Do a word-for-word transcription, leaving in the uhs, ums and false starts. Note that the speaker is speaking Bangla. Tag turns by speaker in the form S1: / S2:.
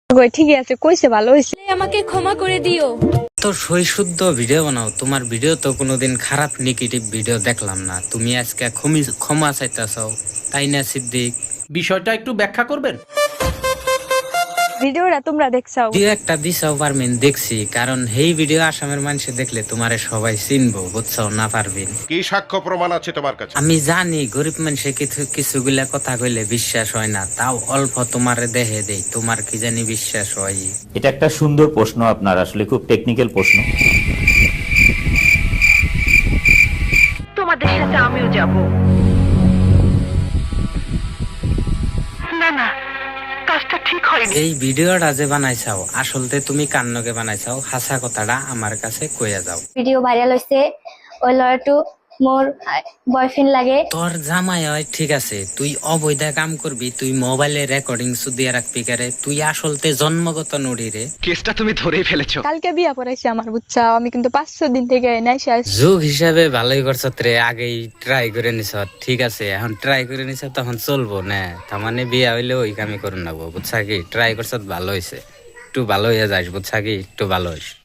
S1: ঠিকই আছে, কইছে ভালো হইছে।
S2: আমাকে ক্ষমা করে দিও।
S3: তো সই শুদ্ধ ভিডিও বানাও, তোমার ভিডিও তো কোনোদিন খারাপ নেগেটিভ ভিডিও দেখলাম না। তুমি আজকে ক্ষমি- ক্ষমা চাইতেছাও, তাই না সিদ্দিক?
S4: বিষয়টা একটু ব্যাখ্যা করবেন?
S1: ভিডিওটা তোমরা দেখছাও?
S3: ভিডিও একটা দিছাও পারমিন, দেখছি। কারণ এই ভিডিও আসামের মানুষে দেখলে তোমারে সবাই চিনবো, বুঝছো না পারবিন?
S5: কি সাক্ষ্য প্রমাণ আছে তোমার কাছে?
S3: আমি জানি গরিব মানুষে কিছু কিছুগুলা কথা কইলে বিশ্বাস হয় না, তাও অল্প তোমারে দেহে দেই, তোমার কি জানি বিশ্বাস হয়।
S6: এটা একটা সুন্দর প্রশ্ন, আপনার আসলে খুব টেকনিক্যাল প্রশ্ন।
S7: তোমাদের সাথে আমিও যাব। না না, কাজটা ঠিক হয়নি।
S3: এই ভিডিওটা যে বানাইছাও আসলতে তুমি কান্নকে বানাইছাও, হাসা কথাটা আমার কাছে কইয়া যাও।
S8: ভিডিও ভাইরাল হইছে, ওই লড়াটু মোর বয়ফ্রেন্ড লাগে।
S3: তোর জামাই হয় ঠিক আছে, তুই অবৈধ কাম করবি, তুই মোবাইলে রেকর্ডিং সুদিয়ে রাখবি কারে, তুই আসলতে জন্মগত নড়ি রে।
S9: কেসটা তুমি ধরেই ফেলেছো।
S1: কালকে বিয়া পড়াইছে আমার, বুঝছাও? আমি কিন্তু পাঁচশো দিন থেকে নাই শেষ।
S3: যুগ হিসাবে ভালোই করছ রে, আগেই ট্রাই করে নিছ, ঠিক আছে। এখন ট্রাই করে নিছ তখন চলবো না, তার মানে বিয়া হইলে ওই কামই করে নেবো, বুঝছা কি? ট্রাই করছ ভালো হয়েছে, একটু ভালো হয়ে যাস, বুঝছা কি? একটু ভালো হইস।